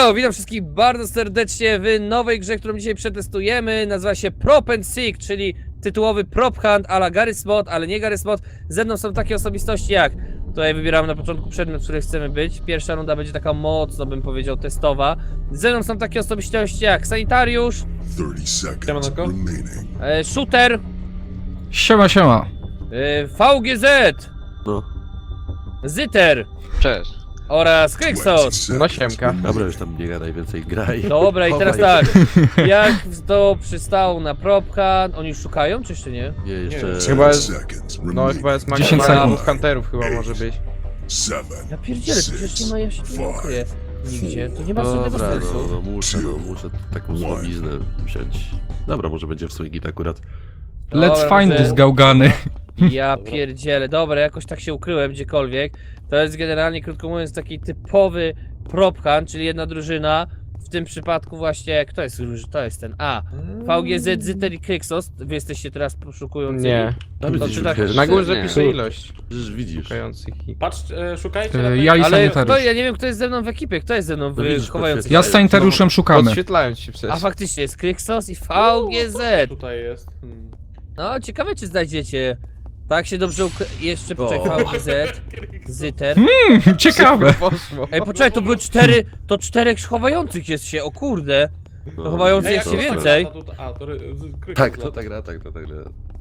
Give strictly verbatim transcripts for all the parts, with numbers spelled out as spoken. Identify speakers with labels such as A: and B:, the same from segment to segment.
A: Elo, witam wszystkich bardzo serdecznie w nowej grze, którą dzisiaj przetestujemy. Nazywa się Prop and Seek, czyli tytułowy prop hunt a la Garry's Mod, ale nie Garry's Mod. Ze mną są takie osobistości jak... Tutaj wybieramy na początku przedmiot, w którym chcemy być. Pierwsza runda będzie taka mocno, bym powiedział, testowa. Ze mną są takie osobistości jak Sanitariusz,
B: Siemanko.
A: e, Shooter,
C: Siema, siema.
A: e, V G Z,
D: No,
A: Zyter
D: cześć.
A: oraz Kryksos.
C: No siemka.
D: dobra, już tam nie gadaj, więcej graj.
A: Dobra, i teraz
D: Chowaj.
A: tak. Jak to przystało na prop hunt? Oni już szukają, czy jeszcze nie?
D: Nie, jeszcze...
B: Nie,
C: Chyba jest, no
B: No
C: chyba jest
A: dziesięć
C: maksymalnie
A: sekund.
C: hunterów chyba może być.
A: Ja pierdzielę, to przecież nie ma, ja się tu nie ukryję nigdzie, to nie ma żadnego
D: Dobra, no,
A: sensu.
D: no muszę, no muszę taką słabiznę wziąć. Dobra, może będzie w swój git akurat.
C: Let's
A: Dobra,
C: find
A: może-
C: this gałgany.
A: Ja pierdzielę, dobra, jakoś tak się ukryłem gdziekolwiek. To jest generalnie, krótko mówiąc, taki typowy prop hunt, czyli jedna drużyna. W tym przypadku właśnie, kto jest drużyna? To jest ten, a V G Z, Zyter i Kryksos. Wy jesteście teraz poszukującymi.
C: Nie.
D: Tam
A: No,
D: widzisz,
A: czy tak-
D: wiesz,
C: Na górze
D: nie.
C: pisze ilość
D: Przecież widzisz.
C: szukających i...
B: Patrz, e, szukajcie.
C: E,
B: na
C: ja i
B: pewno-
A: Ale
C: sanitariusz.
A: kto, ja nie wiem, kto jest ze mną w ekipie, kto jest ze mną w
D: No widzisz,
A: chowających.
C: Ja z sanitariuszem szukamy.
B: Podświetlając się przecież.
A: A faktycznie jest Kryksos i V G Z.
B: Tutaj jest. Hmm.
A: No, ciekawe czy znajdziecie. Tak się dobrze ukry... Jeszcze
D: O.
A: poczekaj, V G Z, Zyter.
C: Ciekawe.
B: Poszło.
A: Ej, poczekaj, to były cztery, to czterech chowających jest się, o kurde.
D: No,
A: To chowający
D: widzisz,
A: jak
B: Ej,
A: się
B: jak
D: to-
B: to
A: więcej.
B: tak lata, to- A, to ry- z- kryk
D: Tak,
B: lata.
D: to tak gra, tak, to tak gra.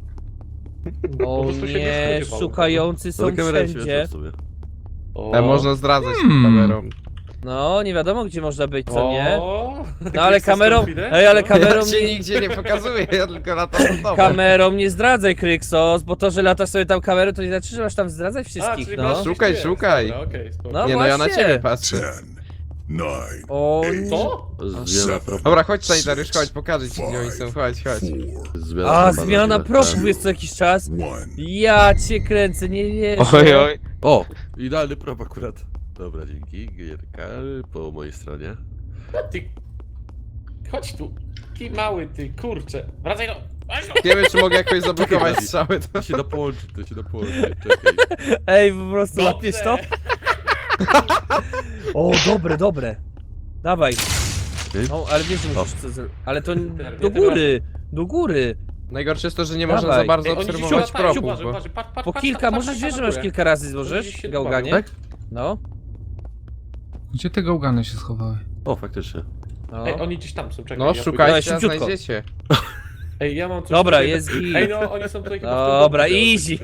A: O
B: prostu się nie
A: nie,
B: spodziewał.
A: szukający
D: No
A: są
D: to kamera
A: wszędzie.
D: śmieszna w sumie.
B: O.
C: E, można zdradzać
A: Hmm.
C: kamerą.
A: No, nie wiadomo gdzie można być, co nie?
B: O.
A: No ale
B: Kryksos
A: kamerą,
B: confident?
A: ej, ale
B: No.
A: kamerą
C: Ja się
A: nie,
C: nigdzie nie pokazuję, ja tylko latam do domu.
A: kamerą nie zdradzaj, Kryksos, bo to, że latasz sobie tam kamerą, to nie znaczy, że masz tam zdradzać
B: A,
A: wszystkich,
B: czyli
A: no.
B: masz
C: Szukaj,
B: gdzieś
C: szukaj.
B: jest. Dobra, okej, spoko.
A: No.
C: Nie no, ja na
A: właśnie.
C: ciebie patrzę.
E: nine,
A: O nie.
B: Co?
D: Zmiana propu.
C: Dobra, chodź sanitariusz, chodź, pokażę ci gdzie oni są, chodź, chodź.
D: Zmiana
A: A,
D: propa,
A: zmiana
D: tak.
A: proszków jest co jakiś czas.
E: one.
A: Ja cię kręcę, nie wierzę.
C: Oj, oj.
D: O, idealny prop akurat. Dobra, dzięki. Gierka po mojej stronie.
B: Ty. Chodź tu. Taki mały ty, kurczę. Wracaj no. Chodź no.
C: Nie wiem czy mogę jakoś zablokować strzały. To...
D: To się da połączyć, to się da połączyć. Czekaj.
A: Ej, po prostu
B: Dobrze.
A: łapiesz to? O, dobre, dobre. Dawaj.
D: Ej.
A: No, ale wiesz, że musisz co zrobić. Ale to
B: Ja
A: do góry, do góry.
C: Najgorsze jest to, że nie można
A: Dawaj.
C: za bardzo
B: Ej, oni gdzieś
C: obserwować
B: latają,
C: propów,
B: uważaj,
C: bo...
B: uważaj, patrz, patrz,
A: Po
B: patrz,
A: kilka,
B: patrz,
A: możesz
B: patrz,
A: wiesz,
B: patrz
A: że
B: na
A: masz
B: górę.
A: kilka razy
B: Gdzieś
A: złożysz
B: się
A: gałganie?
D: Tak?
A: No.
C: Gdzie te gałgany się schowały?
D: O, faktycznie.
A: no.
B: Ej, oni gdzieś tam są, czekaj.
C: No
B: ja pójdę.
C: szukajcie, a
A: szybciutko.
C: znajdziecie.
B: Ej, ja mam coś
A: Dobra,
B: tutaj-
A: jest git.
B: Ej, no, oni są tutaj chyba w tym
A: Dobra,
B: domu.
A: easy.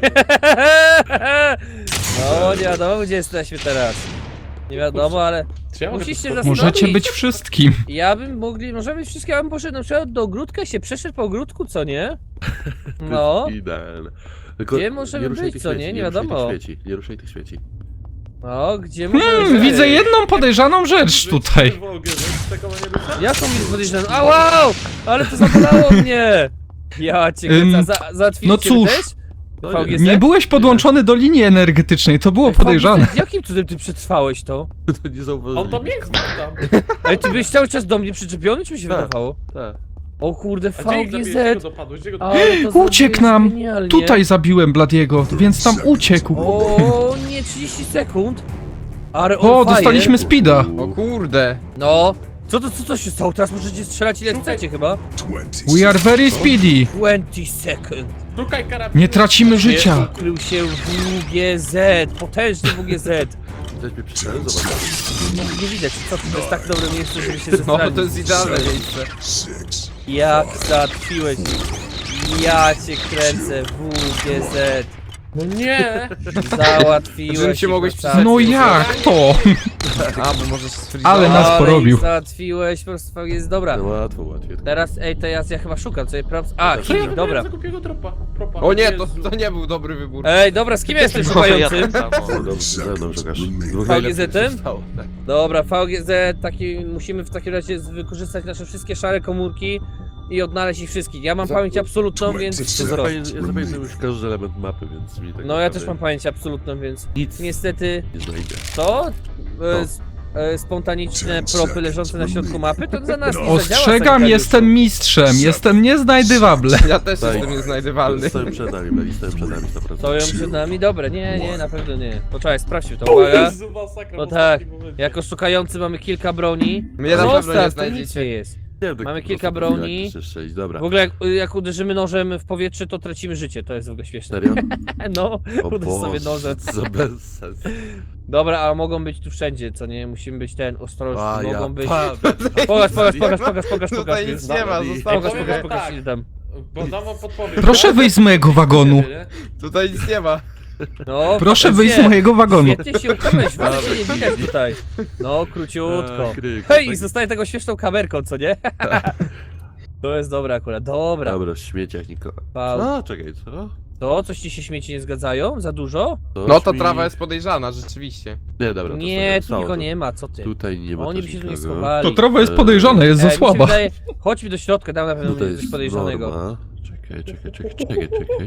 A: No, nie wiadomo gdzie jesteśmy teraz. Nie wiadomo, ale
B: Czy ja mogę
A: musisz
B: tu
A: się
B: skoczyć?
A: zastanowić.
C: Możecie być wszystkim.
A: ja bym mogli, możemy być wszystkie, ja bym poszedł na przykład do ogródka i się przeszedł po ogródku, co nie? No.
D: To jest idealne. Tylko
A: Gdzie możemy
D: nie ruszaj
A: być,
D: tych
A: co nie?
D: świeci,
A: Nie
D: ruszaj tych
A: wiadomo.
D: Świeci, nie ruszaj tych świeci.
A: No, gdzie możemy
C: Hmm,
A: być?
C: widzę jedną podejrzaną rzecz tutaj.
B: Tego nie rusza?
A: Jaką mi podejrzaną? A wow! Ale to zabolało mnie! Ja cię
C: Ym,
A: kręcę, za, załatwiliście
C: no cóż.
A: też?
D: No
A: V G Z?
C: Nie byłeś podłączony do linii energetycznej, to było
A: Ej, V G Z,
C: podejrzane.
A: Jakim cudem ty przetrwałeś to?
D: To nie zauważyli.
B: On to mnie zna tam.
A: Ej, ty byłeś cały czas do mnie przyczepiony, czy mi się
D: Tak.
A: wydawało?
D: Tak.
A: O kurde,
B: A gdzie ich zabiłeś? Gdzie go
A: V G Z!
B: dopadłeś? Gdzie go
A: Ale to
C: Uciekł
A: zrobiłeś
C: nam.
A: genialnie.
C: Tutaj zabiłem Bladiego, więc tam uciekł.
A: O nie, trzydzieści sekund! Ale
C: O,
A: on fire.
C: dostaliśmy speeda.
D: O
C: kurde.
A: No. Co to, co to się stało? Teraz możecie strzelać ile
B: Szukaj.
A: chcecie chyba?
E: twenty.
C: We are very speedy.
A: dwadzieścia sekund.
B: Szukaj karabinu.
C: Nie tracimy życia.
A: Ukrył się W G Z, potężny W G Z.
D: Widać mnie przyszedłem, zobacz.
A: No, nie widać, co to jest tak dobre miejsce, żeby się
C: No,
A: zestralić.
C: to jest idealne miejsce.
E: Six.
A: Jak załatwiłeś? Ja cię kręcę, W G Z.
B: No nie!
A: Załatwiłeś.
C: Żebym cię
A: ich
C: mogłeś
A: na
C: przesadzić.
A: tacy-
C: No jak to? A, bo możesz stwierdzić.
A: Ale
C: Ale nas porobił.
A: ich załatwiłeś, po prostu jest dobra.
D: No łatwo, łatwiej.
A: Teraz, ej, to ja, ja chyba szukam sobie props. A,
B: Co ja
A: Kimi, dobra.
B: za głupiego dropa? Propa.
C: O nie, to,
B: Jezu.
C: to nie był dobry wybór.
A: Ej, dobra, z kim ja jestem szukającym?
D: No dobrze, ze mną szukasz. Dwóch
A: V G
D: najlepszych
A: Z-em?
D: zostało, tak.
A: Dobra, V G Z, taki, musimy w takim razie z- wykorzystać nasze wszystkie szare komórki i odnaleźć ich wszystkich. Ja mam
D: Za-
A: pamięć absolutną, więc
D: Ja
A: wszystko.
D: zapamię- ja zapamiętam już każdy element mapy, więc mi tak
A: No ja też
D: naprawdę
A: mam pamięć absolutną, więc
D: nic
A: niestety
D: nie znajdzie.
A: to...
D: No.
A: E, s- e, spontaniczne propy leżące na środku mapy, to za nas nie zadziała.
F: Ostrzegam,
A: sanitariuszu.
F: jestem mistrzem, jestem nieznajdywable.
C: Ja też
D: Tak.
C: jestem nieznajdywalny.
D: Stoją przed nami, Bladi, stoją przed nami, sto procent.
A: Stoją przed nami? Dobra, nie, nie, na pewno nie. Poczekaj, sprawdźmy to,
B: O
A: uwaga.
B: Jezu, masakra
A: No
B: w
A: tak,
B: ostatnim momencie.
A: jako szukający mamy kilka broni.
C: Mnie na pewno nie
A: Zostaw, to nic
C: znajdziecie.
A: nie jest.
D: Nie wiem, tak
A: Mamy
D: po
A: kilka
D: prostu
A: broni.
D: jak jeszcze iść, dobra.
A: W ogóle jak, jak uderzymy nożem w powietrze, to tracimy życie, to jest w ogóle śmieszne.
D: Serio?
A: No,
D: O
A: uderz sobie
D: Boże,
A: nożem.
D: co bez sensu.
A: Dobra, a mogą być tu wszędzie, co nie? Musimy być ten, ostrożni,
D: A,
A: mogą
D: ja
A: być...
D: padłem.
A: Pokaż, pokaż, pokaż, pokaż, pokaż, pokaż.
C: Tutaj nic nie ma,
D: Ej,
C: zostało.
A: Pokaż,
B: powiem
A: pokaż,
B: wam
A: pokaż,
B: tak.
A: ile tam.
B: Bo dam wam podpowiem.
F: Proszę wyjść z mojego wagonu.
C: Tutaj nic nie ma.
A: No,
F: Proszę
A: pokaż,
F: wyjść z
A: nie.
F: mojego wagonu.
A: Świetnie się ukryłeś, ale się nie widać tutaj. No, króciutko.
D: A, kryk,
A: Hej, i
D: tak-
A: zostaje tego śmieszną kamerką, co nie? To jest dobre akurat, dobra.
D: Dobra, w śmieciach nikogo.
A: Pał.
D: Co? Czekaj, co?
A: To, coś ci się śmieci nie zgadzają? Za dużo?
D: To
C: No to
D: śmi-
C: trawa jest podejrzana, rzeczywiście.
D: Nie, dobra, to
A: Nie,
D: sobie
A: tu
D: stało
A: nikogo
D: to.
A: nie ma, co ty?
D: Tutaj nie ma
A: Oni by
D: też
A: się tu nie
D: nikogo.
A: schowali.
F: To trawa jest podejrzana, jest
A: Ej,
F: za
A: mi się
F: słaba.
A: wydaje- Chodźmy do środka, tam na pewno
D: Tutaj
A: jest coś
D: jest
A: podejrzanego.
D: norma. Czekaj, czekaj, czekaj, czekaj, czekaj.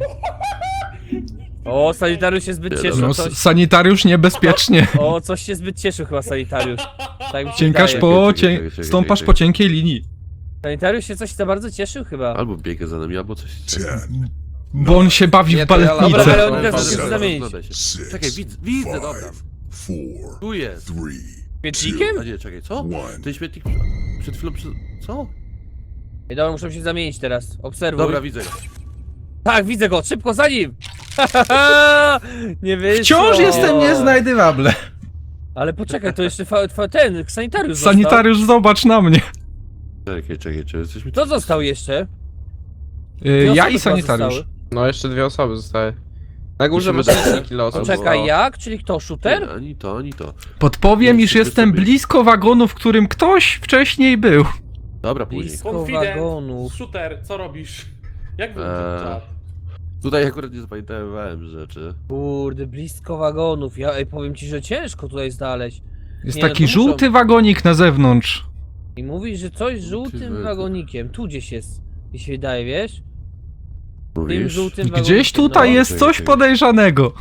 A: O, sanitariusz się zbyt
D: Nie,
A: cieszył,
F: No,
A: coś...
F: s- sanitariusz niebezpiecznie.
A: O, coś się zbyt cieszył chyba sanitariusz. Tak mi się
F: Cienkasz
A: wydaje.
F: po...
D: Czekaj,
F: Cię...
D: czekaj, czekaj,
F: Stąpasz
D: czekaj.
F: po cienkiej linii.
A: Sanitariusz się coś za bardzo cieszył chyba.
D: Albo biega za nami, albo coś.
E: Ten,
F: Bo on się bawi
C: Nie,
F: w
C: to ja
A: Dobra, ale
F: baletnicę.
A: oni teraz
C: Dobra,
A: muszą się
C: dobra,
A: zamienić.
D: Rozglądaj się.
E: six,
D: Czekaj, widzę, widzę, dobra.
E: five, four,
D: Tu jest.
E: three,
A: Świetlikiem?
D: A nie, czekaj, co?
E: one.
D: Ten śmietnik przed chwilą przy... Co?
A: Ej, dobra, muszę się zamienić teraz. Obserwuj.
D: Dobra, widzę go.
A: Tak, widzę go, szybko za nim! Nie wyszło.
F: Wciąż jestem nieznajdywable.
A: Ale poczekaj, to jeszcze fa, fa, ten, sanitariusz został.
F: Sanitariusz, zobacz na mnie.
D: Czekaj, czekaj, czy jesteśmy...
A: Kto został jeszcze?
F: Y,
A: Dwie
F: Ja
A: osoby
F: i
A: chyba
F: sanitariusz.
A: zostały.
C: No jeszcze dwie osoby zostały. Na górze masz
D: Musimy dać-
C: licznik losu.
A: Poczekaj,
C: bo-
A: jak? Czyli kto, shooter?
D: Nie, ani to, ani to.
F: Podpowiem,
D: No,
F: iż
D: wszyscy
F: jestem
D: sobie-
F: blisko wagonu, w którym ktoś wcześniej był.
D: Dobra, później.
A: Blisko
B: Confident,
A: wagonów.
B: shooter, co robisz? Jak wygląda
D: Eee.
B: czat?
D: Tutaj akurat nie zapamiętałem rzeczy.
A: Kurde, blisko wagonów. Ja ej, powiem ci, że ciężko tutaj znaleźć.
F: Jest
A: Nie, no
F: taki
A: to muszą-
F: żółty wagonik na zewnątrz.
A: I mówisz, że coś z żółtym
D: wagon.
A: wagonikiem. Tu gdzieś jest. Mi się wydaje, wiesz? Tym
D: Mówisz?
A: żółtym
F: Gdzieś
A: wagonikiem,
F: tutaj
A: no.
F: jest
D: Czekaj,
F: coś
D: czekaj.
F: podejrzanego.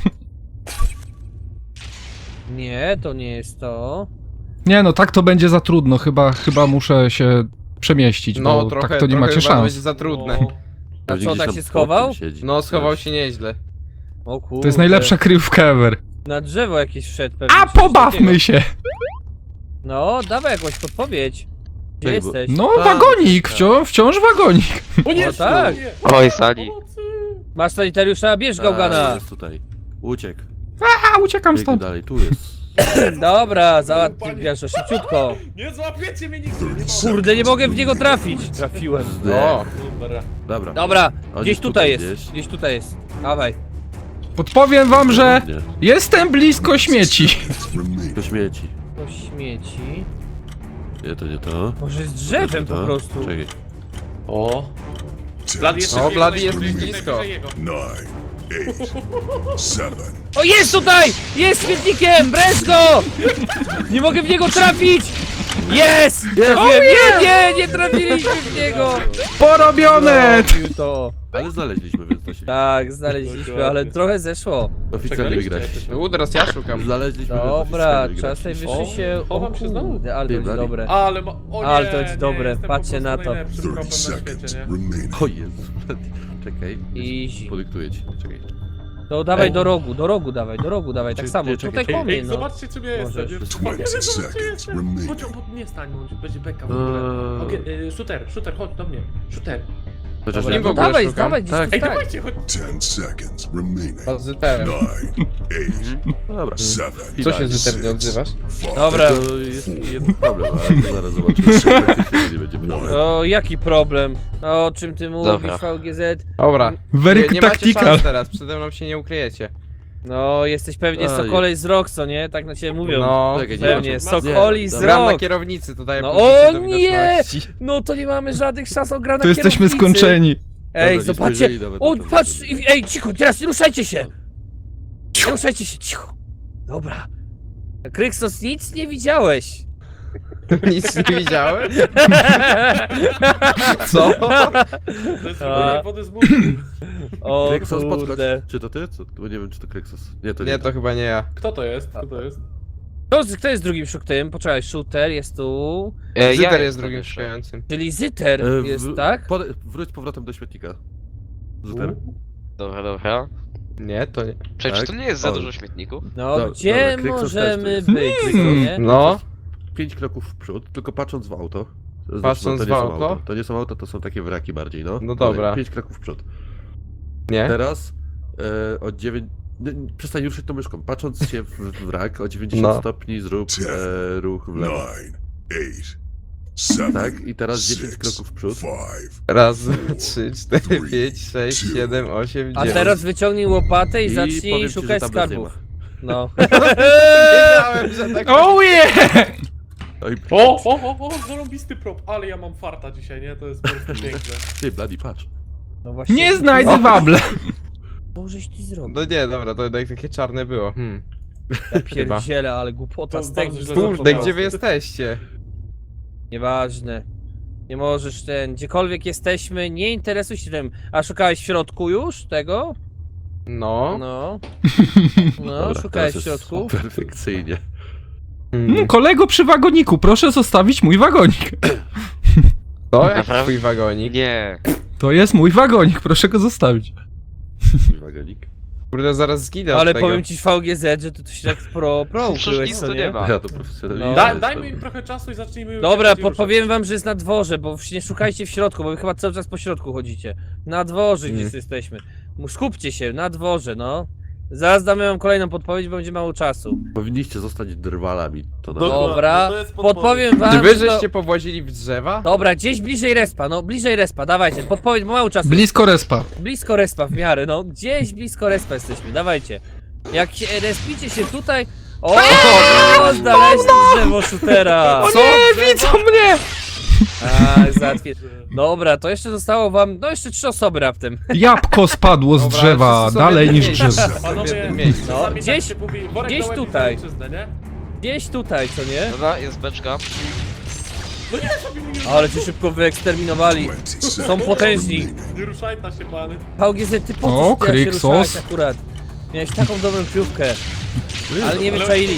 A: Nie, to nie jest to.
F: Nie no, tak to będzie za trudno. Chyba, chyba muszę się przemieścić,
C: No
F: bo
C: trochę,
F: tak to nie
C: trochę
F: macie
C: chyba
F: szans.
C: będzie za trudne.
B: No.
A: A
D: Pewnie
A: co,
D: gdzieś
A: tak
D: tam
A: się
D: pod
A: schował?
D: tym siedzi.
C: No schował się nieźle.
A: O kurde.
F: To jest najlepsza kryjówka ever.
A: Na drzewo jakieś wszedł pewnie.
F: A
A: czy coś
F: pobawmy
A: takiego.
F: się!
A: No, dawaj jakąś podpowiedź. Gdzie
D: Ej, bo-
A: jesteś?
F: No,
D: Tak,
F: wagonik,
D: tak.
F: wciąż, wciąż wagonik.
B: O nie,
A: No tak.
B: nie.
G: Oj, sali.
B: Pomocy.
A: Masz sanitariusza, bierz
D: A,
A: gałgana.
D: jest tutaj. Uciekł.
F: A, uciekam
D: Biegnie
F: stąd.
D: dalej, tu jest.
A: Dobra, załatwiasz to szybciutko.
B: Nie złapiecie mnie nigdy, nie mogę.
A: Kurde, nie mogę w niego trafić. Trafiłem.
C: O,
B: Dobra.
D: Dobra.
A: Dobra,
D: On
A: gdzieś
D: jest
A: tutaj
D: tutaj
A: jest.
D: gdzieś.
A: Gdzieś tutaj jest. Dawaj.
F: Podpowiem wam, że
D: Nie,
F: jestem blisko śmieci.
E: Remain.
D: to śmieci.
A: To śmieci.
D: Nie, to nie to.
A: Może z
D: To
A: drzewem
D: nie to.
A: po prostu.
D: Czekaj.
B: O.
E: Ten,
B: Blady jeszcze
C: O,
B: biegł
C: Blady
B: najbliżej-
C: jest blisko.
B: najbliżej jego.
E: nine, eight, seven,
A: O, jest tutaj! Jest śmietnikiem! Brez go! Nie mogę w niego trafić! Jest! Trafiłem! Nie, nie, nie trafiliśmy w niego!
F: Porobione!
A: Zrobił to.
D: Ale znaleźliśmy, więc to się...
A: Tak, znaleźliśmy, ale trochę zeszło.
D: Oficjalnie
B: Czekaliście,
D: wygraliśmy.
B: jak to się-
C: U, teraz ja szukam.
D: Znaleźliśmy, więc
A: Dobra,
D: oficjalnie
A: czas
D: wygraliśmy.
A: najwyższy
B: O,
A: się... O
B: chowam się znowu.
A: kurde, ale to
D: Ty,
A: będzie
D: Blady.
A: dobre.
B: Ale ma... O nie,
A: Ale to jest
B: nie,
A: dobre,
B: jestem
A: patrzcie
B: po
A: na
B: prostu
A: to.
B: najlepszym
E: thirty
B: propem na
E: seconds
B: świecie, nie?
E: remaining.
D: O Jezu, czekaj.
A: Easy.
D: Podyktuję ci, czekaj.
A: To dawaj
D: Ej.
A: do rogu, do rogu dawaj, do rogu dawaj, tak
D: Czekaj,
A: samo.
D: czekaj,
A: Tutaj
D: czekaj.
A: po mnie,
B: Ej,
A: no.
B: zobaczcie czym ja jestem.
A: Możesz.
B: nie?
E: twenty
B: Zobaczcie,
E: seconds
B: jestem.
E: remaining.
B: Chodź, bo nie stań, bądź, będzie beka w ogóle.
D: Eee.
B: Okej, y, shooter, shooter, chodź do mnie. Shooter.
D: Chociaż
A: Dobra,
C: Nie w
A: no
C: ogóle
A: dawaj,
C: szukam.
A: dawaj, gdzieś
D: Tak.
A: tu
B: Ej,
A: tak.
B: dawajcie, chodź.
E: ten seconds remaining.
C: Pozytywem.
E: nine, eight,
D: No dobra.
E: seven,
C: Co się Zyter nie odzywasz?
E: five,
A: Dobra.
D: To jest jeden problem, ale to zaraz zobaczymy, czy faktycznie nie będzie problem.
A: O, jaki problem? O czym ty mówisz,
G: Dobra.
A: V G Z?
C: Dobra.
F: Very
C: Nie, nie macie
F: tactical.
C: szans teraz, przede mną się nie ukryjecie.
A: No, jesteś pewnie
D: Oj.
A: Sokolej z rok, co nie? Tak na ciebie mówią.
C: No,
D: Czekaj, nie
A: Pewnie,
D: ma co-
A: Sokoli
D: nie,
A: z
D: dobra.
C: gram na
A: rok.
C: kierownicy tutaj.
A: No,
C: puszczę
A: o
C: do
A: nie!
C: widoczności.
A: No to nie mamy żadnych szans o gra na
F: To jesteśmy
A: kierownicy.
F: skończeni.
A: Ej,
D: Dobra, nie
A: zobaczcie!
D: spojrzeli nawet
A: O,
D: na to,
A: patrz!
D: że-
A: i- Ej, cicho, teraz nie ruszajcie się! Nie ruszajcie się, cicho! Dobra. Kryksos, nic nie widziałeś!
C: Nic nie widziałem? Co?
B: To jest
A: A.
B: wybranie wody z mózgu.
A: O
D: Kryksos, podchodź.
A: kurde.
D: Czy to ty? Co? Bo nie wiem, czy to Kryksos. Nie, to nie.
C: Nie, to chyba nie ja.
B: Kto to jest? Kto to jest?
A: Kto, kto jest drugim shooterem? Poczekaj, shooter jest tu.
G: E,
C: Zyter
G: ja
C: jest
G: jestem
C: drugim
G: jeszcze.
C: szukającym.
A: Czyli Zyter
D: E, w-
A: jest, tak?
D: Pode, wróć powrotem do śmietnika. Zuter.
G: Dobra, dobra.
C: Nie, to nie.
G: Przecież
D: Tak?
G: to nie jest za
D: O.
G: dużo śmietników.
A: No,
D: Dobra,
A: gdzie
D: dobra, Kryksos
A: możemy
D: też tu
A: być,
D: jest.
A: co nie?
C: No,
D: Pięć kroków w przód, tylko patrząc w auto. Znaczy,
C: Patrząc
D: to
C: w
D: nie są
C: auto?
D: auto? To nie są auto, to są takie wraki bardziej, no.
C: No
D: Dalej,
C: dobra.
D: Pięć kroków w przód.
C: nie.
D: Teraz e, o dziewięć... nie, nie, Przestań ruszyć tą myszką. Patrząc się w w wrak o dziewięćdziesiąt
C: No.
D: stopni zrób e, ruch w lewo.
E: Nine. Eight. Seven.
D: Tak? I teraz dziesięć
E: six,
D: kroków w przód.
E: Five.
C: Raz, dwa, trzy, cztery, pięć, sześć, siedem, osiem,
A: A
C: dziewięć.
A: teraz wyciągnij łopatę i,
D: I
A: zacznij
D: powiem ci, że
A: szukać
D: tam bez nie
A: skarbów.
D: ma.
A: No.
C: Wiedziałem, że tak...
F: Oh yeah!
D: Oj,
B: O, o, o, o, zarąbisty prop, ale ja mam farta dzisiaj, nie? To jest po prostu piękne.
D: ty, Bloody, patrz.
A: No właśnie.
F: Nie znajdę wable.
A: Co żeś ty zrobił?
C: No nie, dobra, to jednak takie czarne było. Hmm.
A: Ja pierdzielę, ale głupota
B: To
A: z tego.
B: bardzo źle
C: Kurde,
B: zapomniałem.
C: gdzie wy jesteście?
A: Nieważne. Nie możesz ten, gdziekolwiek jesteśmy, nie interesuj się tym. A szukałeś w środku już tego?
C: No.
A: No. No,
D: Dobra,
A: szukałeś w
D: teraz jest
A: środku.
D: Perfekcyjnie.
F: Mm,
C: Hmm.
F: kolego przy wagoniku, proszę zostawić mój wagonik.
C: To jak
G: Naprawdę?
C: twój wagonik?
G: Nie.
F: To jest mój wagonik, proszę go zostawić.
D: Mój wagonik.
C: Kurde, zaraz zginę
A: Ale
C: od tego.
A: powiem ci w V G Z, że ty to się tak pro, pro
G: Przecież
A: ukryłeś,
G: nic
A: co
G: tu
A: nie?
G: nie ma.
D: Ja to profesjonalnie.
A: No.
B: Da, dajmy im trochę czasu i zacznijmy...
A: Dobra,
B: bardziej
A: podpowiem
B: ruszać.
A: wam, że jest na dworze, bo nie szukajcie w środku, bo wy chyba cały czas po środku chodzicie. Na dworze gdzieś
C: Mm.
A: jesteśmy. Mu- Skupcie się, na dworze, no. Zaraz damy wam kolejną podpowiedź, bo będzie mało czasu.
D: Powinniście zostać drwalami. To na
B: Dokładnie,
A: Dobra,
B: to jest podpowiedź.
A: podpowiem
C: Czy
A: wam,
C: wy
A: że to...
C: żeście powłazili w drzewa?
A: Dobra, gdzieś bliżej respa, no bliżej respa, dawajcie, podpowiedź, bo mało czasu.
F: Blisko respa.
A: Blisko respa w miarę, no gdzieś blisko respa jesteśmy, dawajcie. Jak się respicie się tutaj... O, o znaleźli drzewo shootera!
F: O nie, widzą mnie!
A: A, załatwię. Dobra, to jeszcze zostało wam, no jeszcze trzy osoby raptem.
F: Jabłko spadło z
C: Dobra,
F: drzewa,
C: wszyscy są w
F: dalej
C: jednym
F: niż
C: miejscu.
F: drzewo.
C: Wszyscy są w
B: Panowie,
C: jednym miejscu.
A: No,
B: czasami
A: gdzieś-
B: tak się mówi, worek
A: gdzieś
B: na łeb i
A: tutaj.
B: za ojczyznę, nie?
A: Gdzieś tutaj, co nie?
G: Dobra, jest beczka.
B: No nie, żeby mi nie...
A: Ale cię szybko wyeksterminowali.
E: Twenty
A: Są
E: seconds
A: potężni.
E: remaining.
B: Nie ruszaj ta się, pany.
A: V G Z, ty po
F: O,
A: co ty się
F: Kryksos.
A: ruszałeś akurat? Miałeś taką dobrą piłkę, ale nie wyczaili.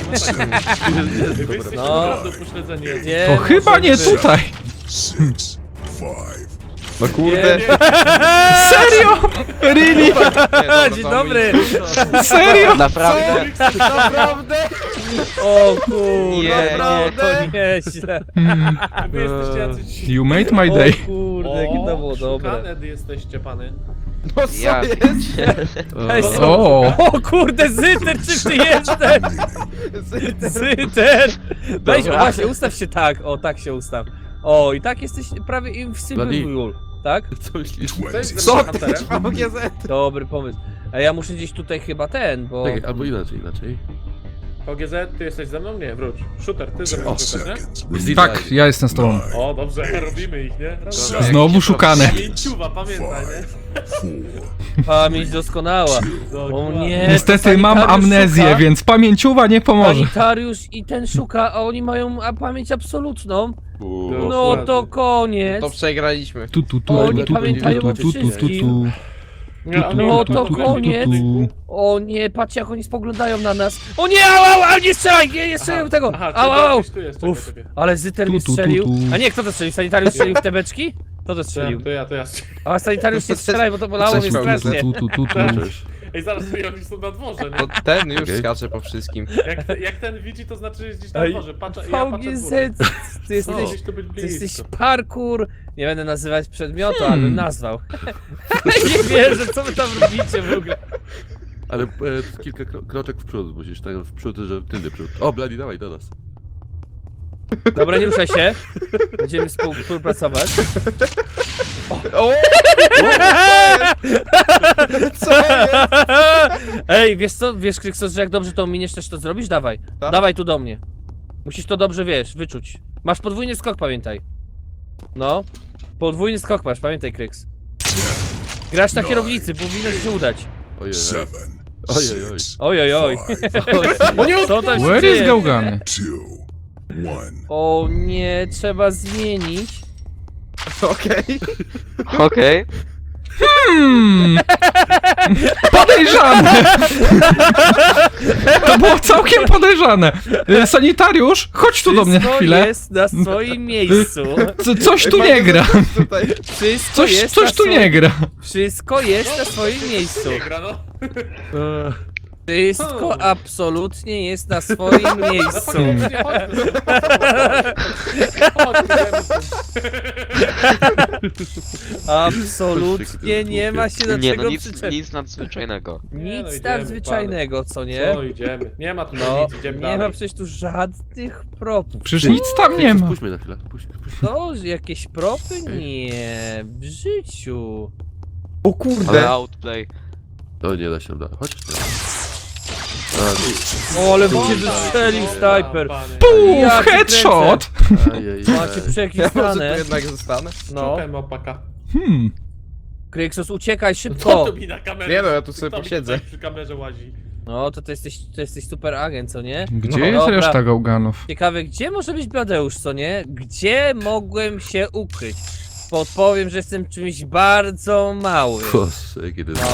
B: Wy jesteście
A: No.
B: naprawdę upośledzeni.
A: Nie,
F: To chyba nie
A: możemy-
F: tutaj.
E: Six. Five.
C: No kurde.
F: Serio? Really?
C: Nie, dobra,
A: Dzień
C: to
A: dobry!
F: Serio?
G: Naprawdę.
C: Naprawdę?
A: O kurde, nie,
C: Naprawdę?
A: to nieźle.
F: Hmm,
B: Wy jesteście jacyś...
F: You made my
A: O
F: day.
A: kurde, jakie to było dobre.
B: szukane jesteście, pany.
C: No co
G: Ja.
C: jest?
A: Ej,
B: O.
A: są-
F: O,
A: O kurde, Zyter, czym ty jesteś? Zyter! Weź, o
C: Dobra.
A: właśnie, ustaw się tak, o tak się ustaw. O, i tak jesteś prawie invisible, tak?
D: Co myślisz?
B: Co jest
E: Twenty.
B: ze mną
C: Co ty,
B: Hunterem?
C: V G Z?
A: Dobry pomysł. A ja muszę gdzieś tutaj chyba ten, bo...
D: Czekaj, albo inaczej, inaczej.
B: V G Z, ty jesteś ze mną? Nie, wróć. Shooter, ty ze mną
E: Ten
B: szukasz, nie?
E: seconds
D: Jest
E: remaining.
F: tak, ja jestem z tobą.
E: Nine.
B: O, dobrze, robimy ich, nie? Dobra.
F: Znowu szukane.
B: Pięciuwa, pamiętaj, nie?
E: Four.
A: Pamięć doskonała. O
B: Dokładnie.
A: nie,
F: Niestety
A: to
F: mam
A: sanitariusz
F: amnezję,
A: szuka.
F: więc pamięciowa nie pomoże.
A: Sanitariusz i ten szuka, a oni mają a, pamięć absolutną.
D: Uuu.
B: No.
A: No to koniec.
C: To przegraliśmy.
F: Tu, tu, tu,
A: Oni
F: tu, tu,
A: pamiętają
F: tu,
A: o
F: tu, tu, tu, tu,
A: wszystkim.
B: Nie, ale
A: No
B: nie,
A: to
B: tu, tu,
A: koniec.
B: tu, tu.
A: O nie, patrzcie jak oni spoglądają na nas. O nie, au, au, au, nie strzelaj, nie, nie strzelaj
B: Aha,
A: tego.
B: aha,
A: Au,
B: czyli
A: au, au.
B: gdzieś tu jest, czekaj,
A: Uff,
B: czekaj.
A: ale Zyter
F: Tu,
A: mi
F: tu, tu,
A: strzelił.
F: tu.
A: A nie, kto to strzelił? Sanitariusz strzelił w te beczki? Kto to strzelił?
B: To ja, to ja.
A: A sanitariusz nie strzelaj, bo to bolało mnie
C: Cześć, Paweł.
A: strasznie.
F: tu, tu, tu, tu.
D: Cześć.
B: Ej, zaraz sobie oni są na dworze, nie?
C: To ten już
D: Okej.
C: skacze po wszystkim.
B: Jak, te, jak ten widzi, to znaczy, że jest gdzieś na
A: Ej,
B: dworze. Patrzę, ja patrzę w
A: V G
B: górę.
A: Z, ty jesteś,
B: No, gdzieś tu być
A: ty jesteś
B: blisko.
A: parkour. Nie będę nazywać przedmiotu, ale
F: Hmm.
A: bym nazwał. Nie wierzę, co wy tam robicie w ogóle.
D: Ale e, kilka kro kroczek w przód, musisz tak w przód, że tylny przód. O, Bloody, dawaj do nas.
A: Dobra, nie ruszaj się. Będziemy współ- współpracować.
C: O! Co jest?
A: Ej, wiesz co, wiesz Kryksos, że jak dobrze to ominiesz, też to zrobisz? Dawaj,
C: Tak?
A: dawaj tu do mnie. Musisz to dobrze, wiesz, wyczuć. Masz podwójny skok, pamiętaj. No, podwójny skok masz, pamiętaj Kryks. Grasz na kierownicy, powinno ci się udać.
D: Ojej.
E: Seven.
D: Ojej, oj.
E: Six.
A: Oj, oj, oj.
E: Five.
B: O nie,
A: Co tam się
F: Where is
A: dzieje?
F: Gałgany?
E: Two. One.
A: O nie, trzeba zmienić.
C: Okej.
G: Okej.
F: Hmm. Podejrzane. To było całkiem podejrzane. Y, Sanitariusz, chodź tu do mnie na
A: Wszystko
F: chwilę.
A: jest na swoim miejscu.
F: Co- Coś tu nie gra.
C: Tutaj.
A: Wszystko
F: Coś,
A: jest
F: coś
A: na
F: tu
A: swoim...
F: nie gra.
A: Wszystko jest na swoim miejscu.
B: Nie gra, no.
A: Wszystko absolutnie jest na swoim
B: No
A: miejscu.
B: faktycznie, chodźmy. Chodźmy, idziemy stąd.
A: Absolutnie nie ma się do
G: Nie
A: czego
G: no, nic,
A: przyczepić.
G: nic nadzwyczajnego.
B: Nie, no
A: Nic
B: idziemy,
A: nadzwyczajnego, co nie?
B: Co, idziemy. Nie ma tu
A: No,
B: nic, idziemy
A: nie
B: dalej.
A: ma przecież tu żadnych propów.
F: Przecież nic tam nie ma.
D: Puść mnie na chwilę, puść, puść.
A: To, że jakieś propy? Nie, w życiu.
C: O
G: Ale
C: kurde.
G: outplay.
D: O, nie da się nam da. Chodź. A,
A: O, ale
B: Co?
A: cię wystrzelił
B: O,
A: snajper.
B: panie.
F: Puf,
A: Ja cię
F: headshot.
D: ajej,
A: Macie
C: Ja może tu
A: przekwistane.
C: jednak zostanę?
A: No,
B: Szukaj mopaka.
F: Hmm.
A: Kryksos, uciekaj
B: Co
A: szybko.
B: tu mi na kamerze?
C: Nie no, ja tu sobie
B: Kto mi
C: posiedzę.
B: tutaj przy kamerze łazi.
A: No, to ty jesteś, to jesteś super agent, co nie?
F: Gdzie
C: No,
F: jest
A: dobra.
F: reszta gałganów?
A: Ciekawe, gdzie może być Bladeusz, co nie? Gdzie mogłem się ukryć? Podpowiem, że jestem czymś bardzo małym.
D: Boże, kiedy...
A: No.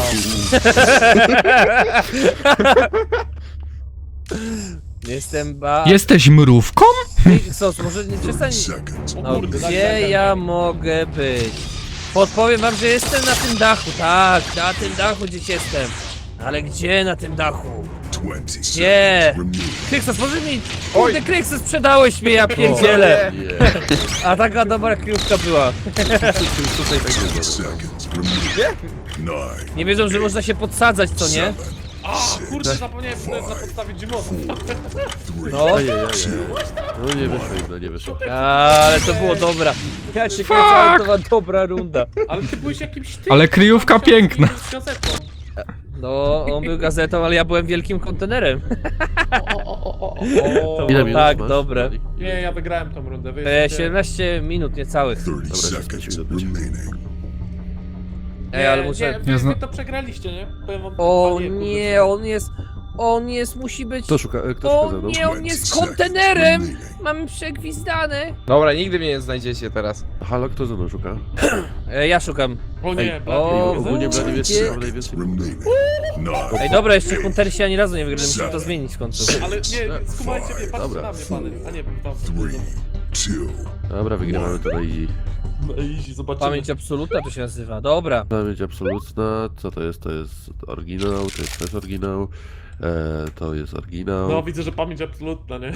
A: Jestem ba...
F: Jesteś mrówką?
A: Kryksos, może nie przestań...
E: Seconds.
B: O
A: No,
B: kurde, daj, daj,
A: gdzie
B: daj,
A: ja
B: daj.
A: mogę być? Podpowiem wam, że jestem na tym dachu, tak, na tym dachu gdzieś jestem. Ale gdzie na tym dachu?
E: twenty
A: Nie.
E: seconds remaining.
A: Kryksos, może mi... Kurde, Kryksos, sprzedałeś mnie, ja pierdzielę.
D: Nie,
A: A taka dobra kryjówka była.
D: tutaj tak
E: Ten
D: jest.
E: seconds remaining. Nine.
A: Nie wiedzą, że można się podsadzać, co nie?
E: Seven.
B: A, kurde, zapomniałem, że to jest na podstawie Gmosu.
E: Three.
A: No,
D: Ajej, ajej. No nie wyszło im, no nie wyszło.
A: ale to było dobra. Ja się kręcę, ale to była dobra runda.
B: Ale ty byłeś jakimś tym.
F: Ale kryjówka
B: tam się
F: piękna.
B: z gazetą.
A: No, on był gazetą, ale ja byłem wielkim kontenerem.
B: O, o, o, o, o,
A: To
B: o.
D: Ile
A: było
D: minut
A: tak
D: masz?
A: dobre.
B: Nie, ja wygrałem tą rundę. Wy
A: E,
B: jesteście-
A: siedemnaście minut niecałych.
E: Thirty
D: Dobra,
E: seconds
D: jeszcze chwilę.
E: remaining.
A: Ej, ale
B: Nie,
A: muszę...
B: Nie, wy,
F: Ja zna-
B: wy to przegraliście, nie? Powiem wam,
A: O
B: panie, kurde,
A: nie,
B: co-
A: on jest... On jest, musi być...
D: Kto szuka, kto szuka
A: O
D: ze mną?
A: nie, on jest kontenerem! Mamy przegwizdane.
C: Dobra, nigdy mnie nie znajdziecie teraz.
D: Halo, kto ze mną szuka?
A: E, ja szukam.
B: O nie,
D: Ej,
B: Blady,
A: o,
B: jest-
D: ogólnie
A: wy-
D: Blady wiesz,
A: gdzie-
D: co mam najwięcej?
E: Remaining. Nine.
A: Ej, dobra, jeszcze Huntersi ani razu nie wygrali, musimy to zmienić w końcu.
B: Ale nie, skumajcie mnie, patrzcie
D: Dobra.
B: na mnie, pany. A nie, tam.
E: Three. Two.
D: Dobra, wygrywamy to na easy.
B: No easy, zobaczymy.
A: Pamięć absolutna to się nazywa, dobra.
D: Pamięć absolutna, co to jest? To jest oryginał, to jest też oryginał. E, to jest oryginał.
B: No widzę, że pamięć absolutna, nie?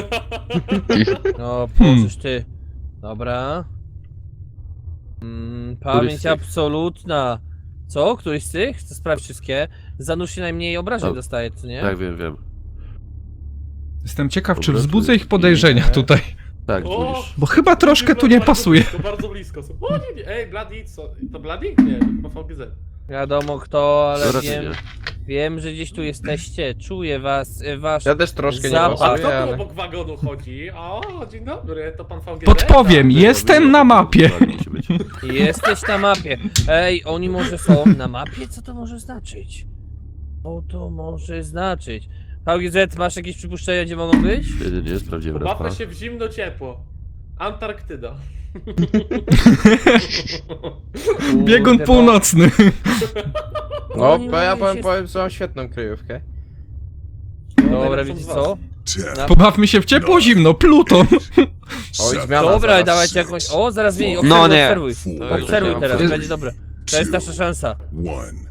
A: No,
F: Hmm.
A: pożysz ty. Dobra. Mm, pamięć
D: z tych?
A: absolutna. Co? Któryś z tych? Chcę sprawdzić wszystkie. Zanurz się najmniej obrażeń
D: Tak.
A: dostaje, co nie?
D: Tak, wiem, wiem.
F: Jestem ciekaw, czy
D: Dobra,
F: wzbudzę
D: to-
F: ich podejrzenia
A: nie.
F: tutaj.
D: Tak,
B: O!
D: budzisz.
F: Bo chyba troszkę tu nie
B: Bardzo
F: pasuje.
B: Blisko, bardzo blisko są. O nie, nie, ej, Bloody, co? To Bloody? Nie, to chyba V G Z.
A: Wiadomo kto, ale
D: To raczej
A: wiem,
D: nie.
A: wiem, że gdzieś tu jesteście. Czuję was, e, wasz...
C: Ja też troszkę nie
A: Zapach.
B: A
C: pasuję,
B: kto tu
C: ale...
B: obok wagonu chodzi? O, dzień dobry, to pan V G Z?
F: Podpowiem,
D: Tak,
F: jestem na mapie.
D: Tak, musi być.
A: Jesteś na mapie. Ej, oni może są na mapie? Co to może znaczyć? Co to może znaczyć? V G Z, masz jakieś przypuszczenia, gdzie mogą być?
D: Nie, nie, nie, sprawdziłem raz.
B: Pobawmy się w zimno ciepło. Antarktyda.
F: Biegun
A: Kurde,
F: północny.
C: No,
A: Oni
C: bo ja
A: mogą
C: powiem,
A: się-
C: powiem, że mam świetną kryjówkę.
A: Dobra,
B: Najlepszą
A: wiecie
B: z was.
A: co?
E: Ten.
A: Na-
F: Pobawmy się w ciepło, zimno, Pluton.
C: Oj,
E: Seven.
C: zmiana.
A: Dobra,
C: zaraz.
A: dawajcie jakąś... O, zaraz zmieni,
E: No
A: obserwuj,
G: nie.
A: obserwuj.
E: Four.
A: Obserwuj
G: Jest-
A: teraz,
F: jest-
A: będzie dobre. To jest nasza szansa.
E: One.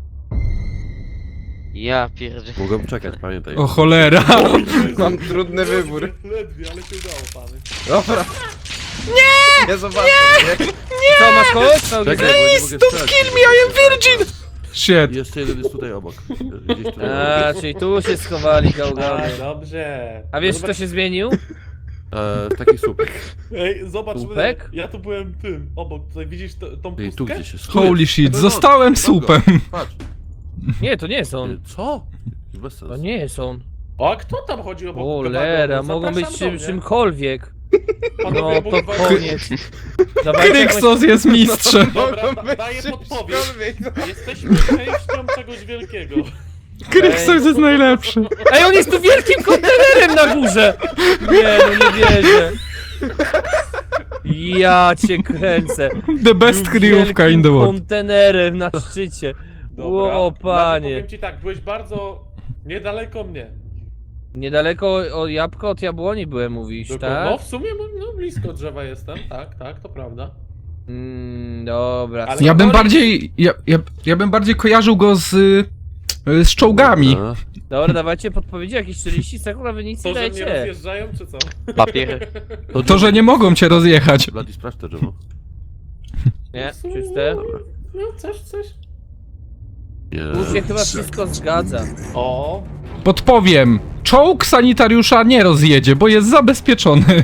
G: Ja pierdzie.
D: Mogłem czekać, pamiętaj.
F: O cholera.
C: Mam trudny wybór.
B: Ledwie, ale się udało, pany.
C: Dobra. Nie! Nie zobaczę. Nie.
A: Co, masz kogoś? V G Z?
D: Czekaj, bo nie mogę
F: Don't
D: strzelać.
F: kill me, I am virgin! Shit.
D: Jeszcze jeden jest tutaj obok. Gdzieś tutaj
A: A,
D: obok.
A: czyli tu się schowali
B: A,
A: gałgany.
B: dobrze.
A: A wiesz,
B: No
A: kto się zmienił?
D: E, taki słupek.
B: Ej, zobacz,
A: Słupek?
B: ja tu byłem tym, obok, tutaj widzisz to, tą
D: Ej, tu
B: pustkę?
D: gdzieś jest.
F: Holy shit,
D: No, no,
F: zostałem
D: no,
F: supem.
D: Patrz.
A: Nie, to nie jest on.
D: Co? Bez sensu.
A: To nie jest on.
B: O, a kto tam chodzi obok
A: Cholera,
B: wagonu?
A: mogą być
B: Zapraszam
A: czym,
B: do mnie.
A: czymkolwiek.
B: Panowie,
A: No
B: obok
A: to
B: wagonu.
A: koniec. Dawajcie jakąś-
F: Kryksos jest mistrzem.
B: Dobra,
C: Mogą
B: da,
C: być
B: daję podpowiedź.
C: czymkolwiek.
B: Jesteśmy częścią czegoś wielkiego.
F: Kryksos jest najlepszy.
A: Ej, on jest tu wielkim kontenerem na górze! Nie, no nie wierzę. Ja cię kręcę.
F: The best kryjówka in the world.
A: Kontenerem na szczycie.
B: Dobra.
A: O,
B: Blady,
A: panie.
B: powiem ci tak, byłeś bardzo niedaleko mnie.
A: Niedaleko o jabłko od jabłoni byłem, mówisz,
B: Dokładnie. No
A: tak?
B: w sumie no, blisko drzewa jestem, tak, tak, to prawda.
A: Mm, dobra.
B: Ale-
F: Ja bym bardziej, ja, ja, ja bym bardziej kojarzył go z, y, z czołgami.
D: Dobra.
A: Dobra, dawajcie podpowiedzi, jakieś czterdzieści sekund, a wy nic nie
B: To, że mnie
A: dajecie.
B: rozjeżdżają, czy co?
G: Papier.
F: To, że nie mogą cię rozjechać.
D: Blady, sprawdź to drzewo.
A: Nie,
B: W sumie,
A: czyste.
B: No, coś, coś.
D: Nie.
A: Tu się chyba wszystko zgadza.
B: O,
F: Podpowiem. Czołg sanitariusza nie rozjedzie, bo jest zabezpieczony.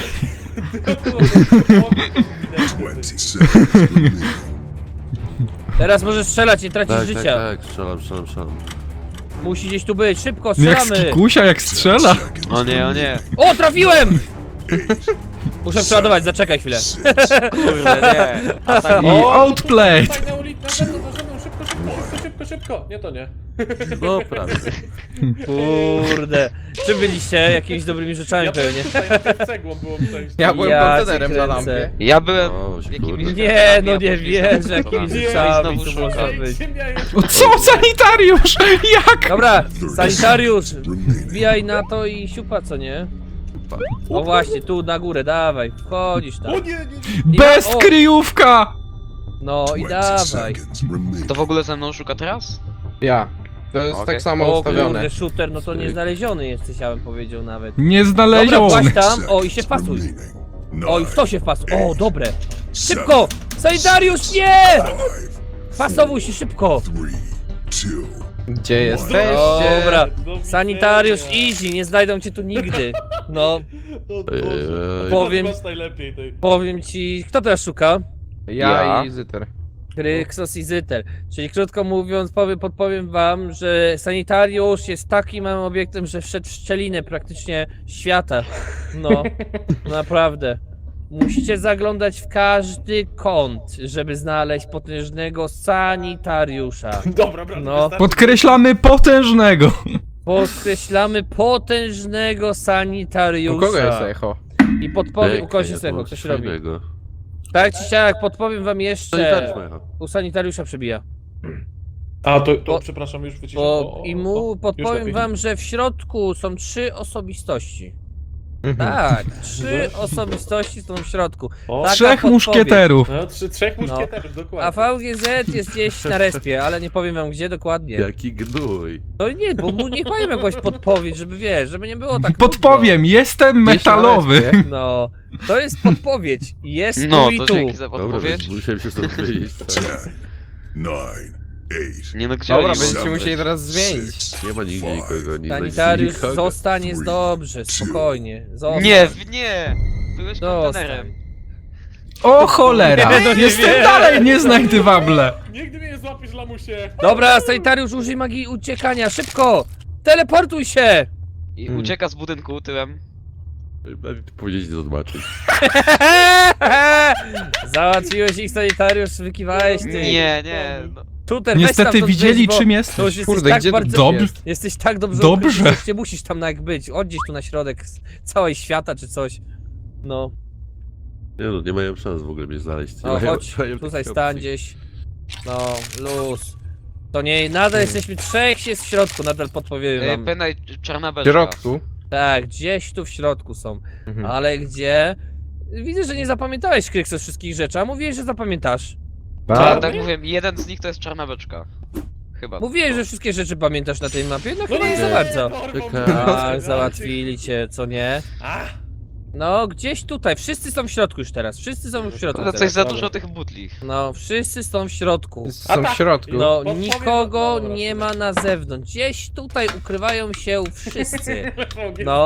E: twenty seconds remaining.
A: Teraz możesz strzelać, nie tracisz
D: Tak, tak,
A: życia.
D: tak, strzelam, strzelam, strzelam.
A: Musi gdzieś tu być, szybko,
F: Jak
A: strzelamy.
F: skikusia, jak strzela.
E: Seconds
G: O nie, o nie.
A: O, trafiłem! Muszę przeładować, zaczekaj chwilę.
G: Kurde, nie. A tak,
F: I
B: O,
F: outplayed.
B: tutaj na ulicy, na zewnątrz, na zewnątrz, szybko, szybko, szybko, szybko, szybko. Nie, to nie.
D: No prawie.
A: Kurde. Czy byliście jakimiś dobrymi rzeczami
B: Ja byłem
A: pewnie?
B: tutaj, na tym cegłą było przejść.
C: Ja byłem
A: Ja
C: kontenerem
A: cię
C: za
A: kręcę.
C: lampie.
G: ja byłem
D: O,
G: jakimiś...
D: kurde.
A: Nie, no nie
G: a później
A: wierzę,
G: znowu
A: jakimiś
G: szukam.
A: rzeczami
G: Znowu
A: tu można
G: szukam.
A: być.
F: O, co? Sanitariusz? Jak?
A: Dobra, sanitariusz,
E: remaining.
A: wbijaj na to i siupa, co nie? No właśnie, tu na górę, dawaj, wchodzisz tam.
B: O nie, nie, nie.
F: Best
A: o.
F: kryjówka!
A: No i
E: twenty
A: dawaj.
E: seconds remaining.
G: To w ogóle ze mną szuka teraz?
C: Ja. To jest
G: Okej.
C: tak samo
A: O
C: ustawione.
A: kurde, shooter, no to nie znaleziony jesteś, ja bym powiedział nawet.
F: Nie
A: Dobra,
F: znaleziony.
A: właśnie tam, o i się
E: Seconds
A: wpasuj.
E: remaining.
A: O i w to
E: Nine,
A: się wpasuj, o dobre.
E: seven,
A: Szybko! Sanitariusz, nie!
E: five,
A: Wpasowuj się szybko!
E: three, two,
C: Gdzie jesteście?
A: Dobra,
B: Do
A: sanitariusz
B: widzenia.
A: easy, nie znajdą cię tu nigdy. No,
B: O Boże.
D: Ej,
A: powiem-
B: Masz najlepiej tej.
A: powiem ci, kto teraz szuka?
C: Ja,
G: Ja.
C: i Zyter.
A: Kryksos i Zytel. Czyli krótko mówiąc, powiem, podpowiem wam, że sanitariusz jest takim małym obiektem, że wszedł w szczelinę praktycznie świata. No, naprawdę. Musicie zaglądać w każdy kąt, żeby znaleźć potężnego sanitariusza.
B: Dobra, brać.
A: No.
F: Podkreślamy potężnego.
A: Podkreślamy potężnego
C: U
A: sanitariusza.
C: kogo jest echo?
A: I podpowiem, u
D: Ej,
A: kogoś
D: ja
A: jest
D: tu
A: echo,
D: mam
A: ktoś
D: coś
A: robi.
D: fajnego.
A: Tak czy siak, podpowiem wam
D: Sanitariusz
A: jeszcze.
D: ma echo.
A: U sanitariusza przebija.
B: A, to, to
A: Bo-
B: przepraszam, już wyciszę. O,
A: Bo
B: o,
A: i
B: o,
A: mu
B: już
A: podpowiem
B: lepiej.
A: wam, że w środku są trzy osobistości.
C: Mhm.
A: Tak, trzy osobistości są w środku.
B: O,
A: Taka
F: Trzech
A: podpowiedź.
F: muszkieterów.
B: No, trzy, trzech muszkieterów,
A: A
B: dokładnie.
A: V G Z jest gdzieś na respie, ale nie powiem wam gdzie dokładnie.
D: Jaki gnój.
A: To nie, bo mu niech powiem jakąś podpowiedź, żeby wiesz, żeby nie było tak
F: Podpowiem, jestem
C: Gdzieś na
F: metalowy.
C: respie.
A: nudno. No, to jest podpowiedź. Jest
G: No,
A: tu i
G: to
A: tu.
G: dzięki za
D: Dobra,
G: podpowiedź.
D: więc musiałem się stąd wyjść.
E: ten, nine, eight,
G: Nie no, gdzie
C: Dobra,
G: oni mogą
C: będziecie
G: być?
C: musieli teraz zmienić.
E: six,
D: Nie ma nigdzie nikogo, nie znajdzie
A: Sanitariusz,
D: nikogo.
A: zostań, jest dobrze, spokojnie. Zostań.
G: Nie, w- nie! Byłeś
A: Zostań.
G: kontenerem.
F: O cholera,
A: Nie, no nie
F: jestem
A: wiem.
F: dalej nieznajdywable.
B: Nigdy mnie nie złapiesz, lamusie.
A: Dobra, sanitariusz, użyj magii uciekania, szybko! Teleportuj się!
G: I
C: Hmm.
G: ucieka z budynku tyłem.
D: Powiedzieć nie zobaczyć.
A: Załatwiłeś ich, sanitariusz, wykiwałeś ty.
G: Nie, nie. No.
A: Tuter, weź
F: Niestety
A: stamtąd
F: widzieli
A: wyjść, bo
F: czym
A: To
F: jesteś.
A: już jesteś
C: Kurde,
A: tak
C: gdzie
A: bardzo...
F: Dobrze.
C: jest?
A: Jesteś tak dobrze
F: Dobrze.
A: ukryty, że nie musisz tam jak być. Odgdzieś tu na środek z całej świata czy coś. No,
D: Nie no, nie mają szans w ogóle mnie znaleźć. Nie
A: no
D: mają,
A: chodź,
D: mają
A: tutaj
D: takiej
A: stań
D: opcji.
A: gdzieś. No, luz. To nie, nadal jesteśmy trzech jest w środku, nadal podpowiem
G: E,
A: wam.
G: Pędaj czarna
C: W
G: beczka.
C: środku.
A: Tak, gdzieś tu w środku są.
C: Mhm.
A: Ale gdzie? Widzę, że nie zapamiętałeś Kryksos wszystkich rzeczy, a mówiłeś, że zapamiętasz.
G: Tak,
C: Tak?
G: tak mówiłem, jeden z nich to jest czarna beczka. Chyba.
A: Mówiłeś, że wszystkie rzeczy pamiętasz na tej mapie, no chyba
B: nie,
A: nie za bardzo.
B: dorwał
D: Czekaj.
B: mnie.
A: Tak, załatwili cię, co nie?
B: A,
A: No, gdzieś tutaj, wszyscy są w środku już teraz, wszyscy są w środku
G: Ale coś
A: teraz.
G: za dużo tych butli.
A: No, wszyscy są w środku.
C: Są w środku.
A: No,
B: Podpowiem-
A: nikogo
B: dobra,
A: nie
B: dobra.
A: ma na zewnątrz. Gdzieś tutaj ukrywają się wszyscy. No.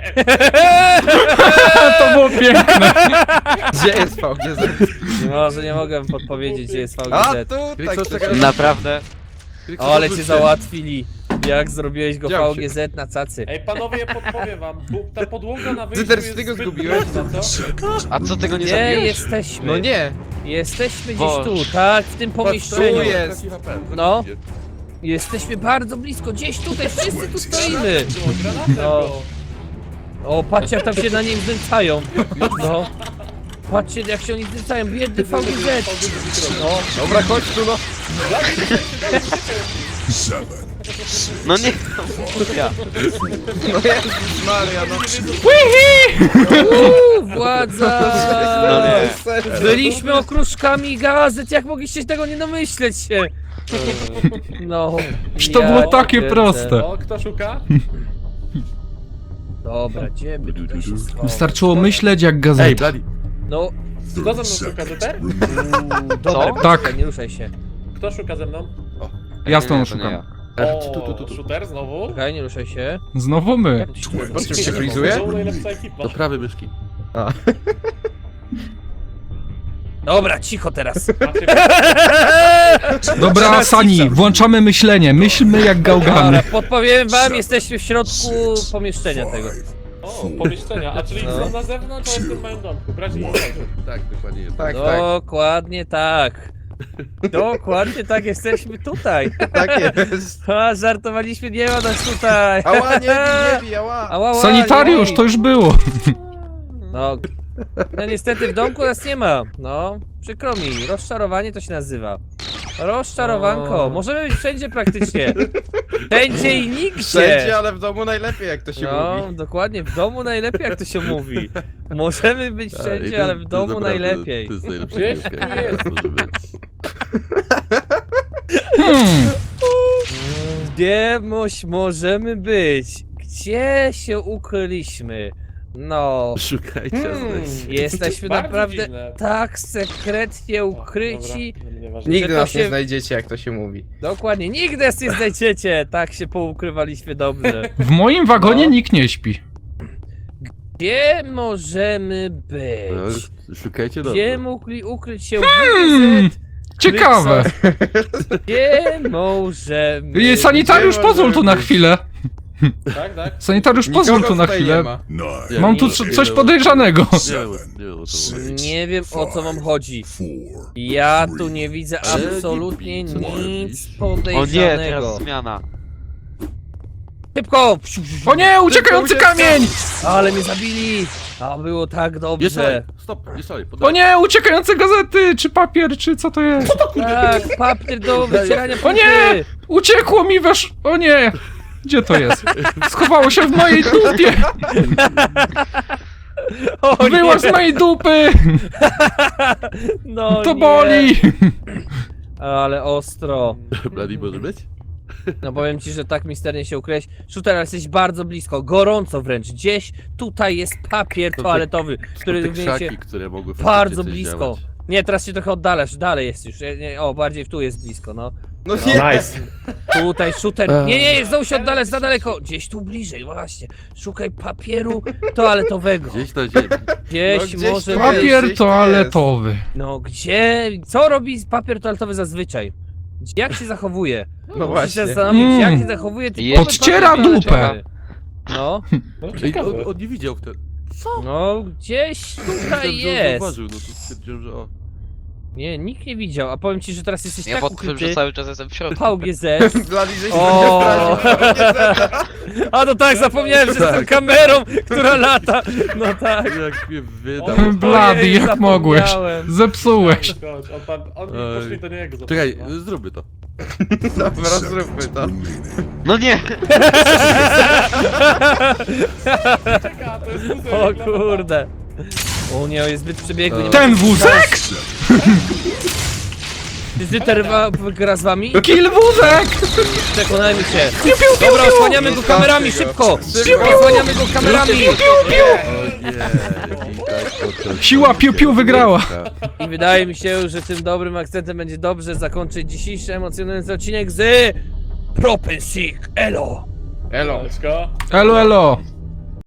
F: To było piękne.
C: Gdzie jest V G Z?
A: Może nie mogę podpowiedzieć, gdzie jest
C: A
A: V G Z.
C: tu,
D: Co,
C: tak.
D: czekaj.
G: Naprawdę.
A: O, ale cię załatwili. Jak zrobiłeś go
C: Dział
A: V G Z na cacy.
B: Ej, panowie, podpowiem wam. Bu- Ta podłoga na wyjściu
C: Zyter,
B: jest
C: ty go
B: zbyt
C: zgubiłeś?
B: mocna, co?
G: A co tego nie
A: Nie,
G: zabiłeś?
A: jesteśmy.
C: No nie.
A: Jesteśmy gdzieś
G: Boże.
A: tu, tak? W tym pomieszczeniu.
C: tu jest.
A: No. Jesteśmy bardzo blisko, gdzieś tutaj, wszyscy tu stoimy.
B: Było granatem,
A: No.
B: było.
A: O, patrzcie jak tam się na nim znęcają. No. Patrzcie jak się oni zdycają, biedny V G Z. No,
C: Dobra, chodź tu no.
E: seven, six,
G: No nie,
A: ja.
C: No Jezus Maria, no.
A: Uuu, władza!
G: no nie.
C: Serio.
A: Byliśmy okruszkami gazet, jak mogliście tego nie domyśleć się? No.
F: Przecież to
A: ja
F: było takie
A: kręcę.
F: proste.
B: O, kto szuka?
A: Dobra, gdzie by tutaj się schować?
F: Wystarczyło myśleć jak
D: Ej,
F: gazeta.
D: Bladi,
A: No,
B: Kto ze mną
E: thirty
B: szuka,
E: seconds
B: Zeter?
E: remaining.
A: dobra,
F: Tak.
A: poczekaj, nie ruszaj się.
B: Kto szuka ze mną?
F: Ja z
G: Nie,
F: tą
G: nie, to
F: szukam.
G: nie ja.
D: e, tu, tu, tu,
B: O,
D: tu.
B: shooter znowu?
A: Czekaj, nie ruszaj się.
F: Znowu my.
C: Po czym się frizuje?
B: Znowu najlepsza ekipa.
D: Do prawej myszki.
A: Dobra, cicho teraz.
B: Macie
F: Dobra, Sani, włączamy myślenie. Myślmy jak gałgany.
A: Dobra, podpowiem wam, jesteśmy w środku pomieszczenia tego.
B: O, pomieszczenia, a czyli
A: No.
B: są na zewnątrz, ale w tym małym domku. Braci i siostry.
D: Tak, dokładnie jest.
C: Tak, tak,
A: Dokładnie tak. Dokładnie tak, jesteśmy tutaj.
C: tak jest.
A: A, żartowaliśmy, nie ma nas tutaj.
C: Ała, nie bij, nie bij, ała.
A: Ała, ała,
F: Sanitariusz,
A: nie.
F: to już było.
A: No, no niestety w domku nas nie ma. No, przykro mi, rozczarowanie to się nazywa. Rozczarowanko,
C: O.
A: możemy być wszędzie praktycznie. Wszędzie i nigdzie.
C: Wszędzie, ale w domu najlepiej, jak to się
A: No,
C: mówi.
A: dokładnie, w domu najlepiej jak to się mówi. Możemy być
D: A, i
A: wszędzie,
D: to-
A: ale w
D: to
A: domu
D: naprawdę-
A: najlepiej.
D: To jest najlepsza
B: Gdzieś
D: piłka,
B: tu
D: jaka
B: jest.
D: może być.
F: Hmm.
A: Gdzie moś możemy być? Gdzie się ukryliśmy? No,
D: Szukajcie,
B: Hmm.
D: a znajdziecie.
A: jesteśmy
B: Bardzo
A: naprawdę
B: dziwne.
A: tak sekretnie ukryci.
B: Dobra, nieważne.
C: Nigdy
A: że to
C: nas
A: się-
C: nie znajdziecie, jak to się mówi.
A: Dokładnie, nigdy nas nie znajdziecie. Tak się poukrywaliśmy dobrze.
F: W moim wagonie
A: No.
F: nikt nie śpi.
A: Gdzie możemy
D: No,
A: być?
D: szukajcie
A: Gdzie
D: dobrze.
A: mogli ukryć się
F: Hmm.
A: W G Z?
F: Ciekawe.
A: Gdzie możemy...
F: Ej, Sanitariusz,
C: Gdzie
F: pozwól tu na
C: możemy
F: chwilę.
B: Tak, tak?
F: Sanitariusz, pozwól
C: Nikogo
F: tu na
C: tutaj nie
F: chwilę.
C: ma.
E: Nine,
F: Mam tu
A: Nie.
F: co- coś podejrzanego.
D: Nie wiem,
E: seven,
D: nie wiem o co
E: six,
D: chodzi.
A: Nie wiem o co wam chodzi.
E: four,
A: Ja tu nie widzę
D: Ale
A: absolutnie
D: nie- co ty
A: nic
D: robisz?
G: O nie,
A: podejrzanego.
G: teraz zmiana.
A: Szybko!
F: O nie, uciekający kamień!
A: Ale mnie zabili! A było tak
D: Nie
A: dobrze.
D: szalej, stop, nie szalej.
F: O nie, uciekające gazety, czy papier, czy co to jest?
A: Tak, papier do wycierania
F: O nie!
A: płyty.
F: Uciekło mi wesz... O nie! Gdzie to jest? Schowało się w mojej dupie!
A: O
F: Wyłaź z
A: nie!
F: mojej dupy!
A: No
F: To
A: nie.
F: boli!
A: Ale ostro.
D: Bladi może być?
A: No powiem ci, że tak misternie się ukryłeś. Shooter, jesteś bardzo blisko, gorąco wręcz. Gdzieś tutaj jest papier
D: To te-
A: toaletowy,
D: To
A: który
D: te
A: również się...
D: krzaki, które mogły
A: Bardzo
D: faktycznie coś
A: blisko.
D: działać.
A: Nie, teraz się trochę oddalasz, dalej jest już. Nie, nie, o, bardziej tu jest blisko, no.
C: No
B: No,
C: nie.
B: nice.
A: Tutaj shooter. Nie, nie, znowu się oddalasz za daleko. Gdzieś tu bliżej, właśnie. Szukaj papieru toaletowego.
D: Gdzieś na ziemi.
A: Gdzieś,
C: No, gdzieś
A: może
C: tu
A: być.
C: Gdzieś
F: Papier
C: tu
F: toaletowy.
A: No gdzie? Co robi papier toaletowy zazwyczaj? Jak się zachowuje?
C: No
A: Musisz się
C: właśnie.
A: zastanowić,
F: Mm.
A: jak się zachowuje typowy
G: Jest-
F: Podciera
A: papier
F: dupę.
A: toaletowy. No,
B: No,
D: Ej,
B: ciekawe.
D: on, on nie widział wtedy.
A: no gdzieś tutaj
D: Myślałem, że on
A: jest.
D: zauważył, no to stwierdziłem, że o.
A: Nie, nikt nie widział, a powiem ci, że teraz jesteś
G: Ja
A: tak
G: pod tym, że
A: ukryty.
G: cały czas jestem w środku.
A: V G Z.
C: Blady, żeś
A: O.
C: nie zdradził.
A: A no tak, zapomniałem, że z tą kamerą, która lata. No tak.
D: Jak mnie wydał.
B: O,
F: Blady,
A: Ojej,
F: jak mogłeś?
A: zapomniałem.
F: Zepsułeś.
B: Chodź, on tam, on
D: Ej.
B: poszli do niego.
D: Czekaj,
B: zobaczyć, no.
D: zróbmy to.
C: Dobra, zróbmy to.
E: remaining.
G: No nie!
B: Czeka, to jest wózek,
A: O
B: dla
A: kurde. O nie, jest zbyt przebiegły. nie
F: Ten
A: mogę-
F: wózek?
A: Czy Zyter wa- gra z wami?
F: Kill wózek!
A: Przekonajmy się.
F: Piu, piu, piu,
A: Dobra,
F: piu!
A: osłaniamy go
C: Zostawcie
A: kamerami,
C: go.
A: szybko!
C: Szybko.
A: Szybko, osłaniamy go kamerami!
D: O nie, i tak potem-
F: Siła piu, piu wygrała.
A: I wydaje mi się, że tym dobrym akcentem będzie dobrze zakończyć dzisiejszy emocjonujący odcinek z Propensik Elo!
C: Elo.
B: Leczko.
F: Elo, elo.